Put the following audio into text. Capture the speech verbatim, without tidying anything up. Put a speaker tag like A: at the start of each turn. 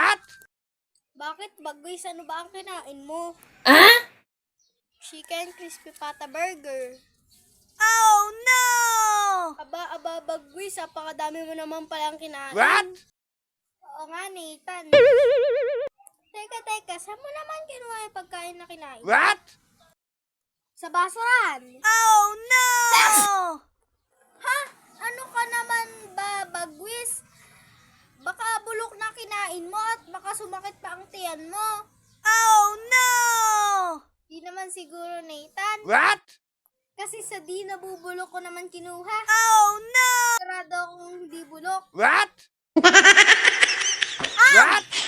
A: What?
B: Bakit bagwis? Ano ba ang kinain mo?
A: Ah?
B: Chicken crispy pata burger.
A: Oh no!
B: Aba, aba, bagwis. Apakadami mo naman palang kinain.
A: What?
B: Oo nga, Nathan. Teka, teka. Saan mo naman kinuha yung pagkain na kinain?
A: What?
B: Sa basurahan.
A: Oh no!
B: Ha? Ano ka naman ba, bagwis? Baka bulok na kinain mo at baka sumakit pa ang tiyan mo.
A: Oh no!
B: Di naman siguro, Nathan.
A: What?
B: Kasi sa di nabubulok ko naman kinuha.
A: Oh no!
B: Sarado akong hindi bulok.
A: What? What?